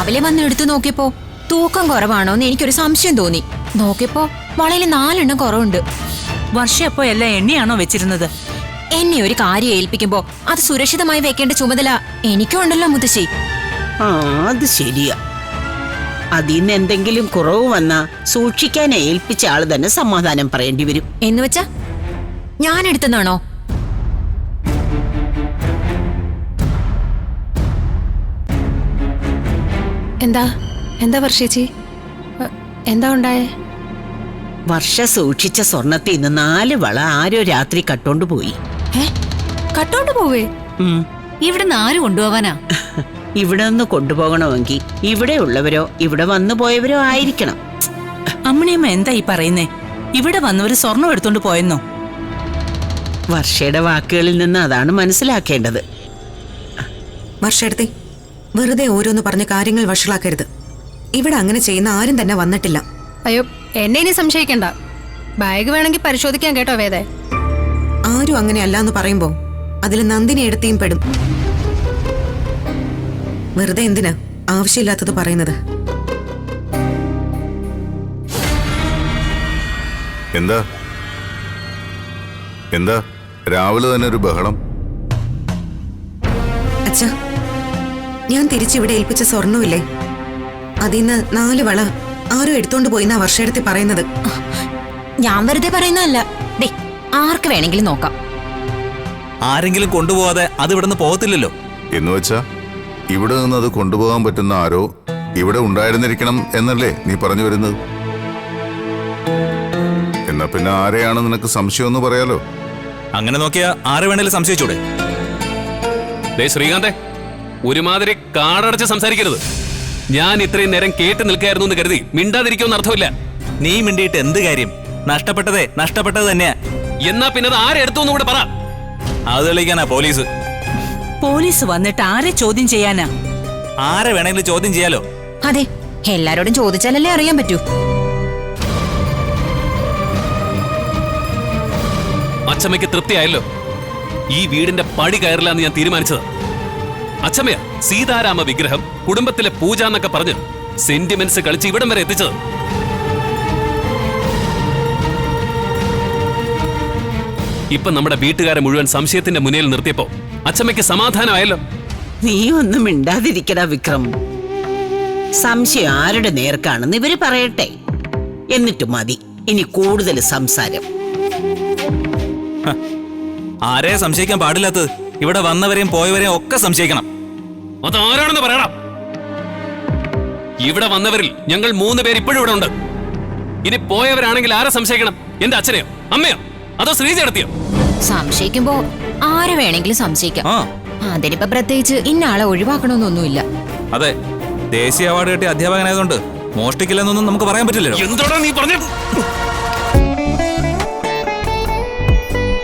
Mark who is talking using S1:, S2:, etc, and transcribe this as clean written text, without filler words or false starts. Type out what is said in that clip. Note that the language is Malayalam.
S1: രാവിലെ വന്ന് എടുത്തു നോക്കിയപ്പോ തൂക്കം കുറവാണോന്ന് എനിക്കൊരു സംശയം തോന്നി. നോക്കിയപ്പോ വളയിൽ 4 എണ്ണം കുറവുണ്ട്.
S2: വർഷ അപ്പോ എല്ലാം എണ്ണയാണോ വെച്ചിരുന്നത്?
S1: എന്നെ ഒരു കാര്യം ഏൽപ്പിക്കുമ്പോ അത് സുരക്ഷിതമായി വെക്കേണ്ട ചുമതല എനിക്കും ഉണ്ടല്ലോ മുത്തശ്ശി.
S3: അത് ശരിയാ. അതിന്ന് എന്തെങ്കിലും കുറവ് വന്നാ സൂക്ഷിക്കാൻ ഏൽപ്പിച്ച ആള് തന്നെ സമാധാനം പറയേണ്ടി വരും.
S1: എന്നുവെച്ചാ ഞാൻ എടുത്തെന്നാണോ?
S4: എന്താ വർഷേച്ചി, എന്താ ഉണ്ടായേ?
S3: വർഷ സൂക്ഷിച്ച സ്വർണത്തിൽ നിന്ന് 4 വള ആരോ രാത്രി കട്ടോണ്ട് പോയി.
S4: കട്ടോണ്ട് പോവേ?
S2: ഇവിടുന്ന് ആര് കൊണ്ടുപോവാനാ?
S3: ഇവിടെ നിന്ന് കൊണ്ടുപോകണമെങ്കിൽ ഇവിടെ ഉള്ളവരോ ഇവിടെ വന്നു പോയവരോ ആയിരിക്കണം.
S2: അമ്മണിയമ്മ എന്താ ഈ പറയുന്നേ? ഇവിടെ വന്നവര് സ്വർണം എടുത്തോണ്ട് പോയെന്നോ?
S3: വർഷയുടെ വാക്കുകളിൽ നിന്ന് അതാണ് മനസ്സിലാക്കേണ്ടത്.
S5: വർഷെടുത്തി, വെറുതെ ഓരോന്ന് പറഞ്ഞ കാര്യങ്ങൾ വഷളാക്കരുത്. ഇവിടെ അങ്ങനെ ചെയ്യുന്ന ആരും തന്നെ വന്നിട്ടില്ല.
S4: അയ്യോ, എന്നെ ഇനി സംശയിക്കണ്ട. ബാഗ് വേണമെങ്കിൽ പരിശോധിക്കാൻ കേട്ടോ വേദേ.
S5: ആരും അങ്ങനെ അല്ലാന്ന് പറയുമ്പോ അതിൽ നന്ദിനി എടുത്തിയും പെടും. വെറുതെ എന്തിനാ ആവശ്യമില്ലാത്തത് പറയുന്നത്?
S6: എന്താ എന്താ രാവിലെ തന്നെ ഒരു ബഹളം?
S5: അച്ഛാ, ഞാൻ തിരിച്ചിവിടെ ഏൽപ്പിച്ച സ്വർണ്ണമില്ലേ, അതിന്ന് 4 വള ആരോ എടുത്തോണ്ട് പോയിന്നാ വർഷയെടുത്തി പറയുന്നത്.
S1: ഞാൻ വെറുതെ പറയുന്നതല്ല. ദേ, ആർക്ക് വേണമെങ്കിലും നോക്കാം.
S7: ആരെങ്കിലും കൊണ്ടുപോകാതെ അത് ഇവിടുന്ന് പോകത്തില്ലല്ലോ.
S6: എന്നുവെച്ചാ ഇവിടെ നിന്ന് അത് കൊണ്ടുപോകാൻ പറ്റുന്ന ആരോ ഇവിടെ ഉണ്ടായിരുന്നിരിക്കണം എന്നല്ലേ നീ പറഞ്ഞു വരുന്നത്? എന്നാ പിന്നെ ആരെയാണ് നിനക്ക് സംശയം എന്ന് പറയാലോ.
S7: അങ്ങനെ നോക്കിയാ ആരെ വേണേലും സംശയിച്ചൂടെ?
S8: ശ്രീകാന്തേ, ഒരുമാതിരി കാടടച്ച് സംസാരിക്കരുത്. ഞാൻ ഇത്രയും നേരം കേട്ട് നിൽക്കായിരുന്നു എന്ന് കരുതി മിണ്ടാതിരിക്കുമെന്ന് അർത്ഥമില്ല.
S7: നീ മിണ്ടിയിട്ട് എന്ത് കാര്യം? നഷ്ടപ്പെട്ടത് തന്നെയാ.
S8: എന്നാ പിന്നെ അത് ആരെടുത്തു കൂടെ പറ.
S7: അത് തെളിയിക്കാനാ പോലീസ്.
S2: പോലീസ് വന്നിട്ട് ആരെ ചോദ്യം ചെയ്യാനാ?
S7: ആരെ വേണമെങ്കിലും ചോദ്യം ചെയ്യാലോ.
S1: അതെ, എല്ലാരോടും ചോദിച്ചാലല്ലേ അറിയാൻ പറ്റൂ.
S8: അച്ചമ്മയ്ക്ക് തൃപ്തിയായല്ലോ. ഈ വീടിന്റെ പടി കയറില്ലാന്ന് ഞാൻ തീരുമാനിച്ചത്. അച്ചമ്മയാ സീതാരാമ വിഗ്രഹം കുടുംബത്തിലെ പൂജ എന്നൊക്കെ പറഞ്ഞ് സെന്റിമെന്റ്സ് കളിച്ച് ഇവിടം വരെ എത്തിച്ചത്. ഇപ്പൊ നമ്മുടെ വീട്ടുകാരെ മുഴുവൻ സംശയത്തിന്റെ മുന്നിൽ നിർത്തിയപ്പോ അച്ചമ്മയ്ക്ക് സമാധാനമായല്ലോ.
S3: നീ ഒന്നും മിണ്ടാതിരിക്കടാ വിക്രം. സംശയം ആരുടെ നേർക്കാണെന്ന് ഇവര് പറയട്ടെ, എന്നിട്ട് മതി ഇനി കൂടുതൽ സംസാരം.
S7: ആരെയാ സംശയിക്കാൻ പാടില്ലാത്തത്? ഇവിടെ വന്നവരെയും പോയവരെയും ഒക്കെ സംശയിക്കണം.
S8: അതാരാണെന്ന് പറയണം. ഇവിടെ വന്നവരിൽ ഞങ്ങൾ 3 പേര് ഇപ്പോഴും ഇവിടെ ഉണ്ട്. ഇനി പോയവരാണെങ്കിൽ ആരെ സംശയിക്കണം? എന്റെ അച്ഛനെയോ അമ്മയോ അതോ ശ്രീജടത്തിയോ?
S1: സംശയിക്കുമ്പോ ആരെ വേണമെങ്കിലും സംശയിക്കാം. അതിനിപ്പോ പ്രത്യേകിച്ച് ഇന്നയാളെ ഒഴിവാക്കണമെന്നൊന്നുമില്ല.
S7: അതെ, ദേശീയ അവാർഡ് കിട്ടിയ അധ്യാപകനായതുകൊണ്ട് മോഷ്ടിക്കില്ലെന്നൊന്നും നമുക്ക് പറയാൻ പറ്റില്ലല്ലോ.
S8: എന്തോടാ നീ പറഞ്ഞു?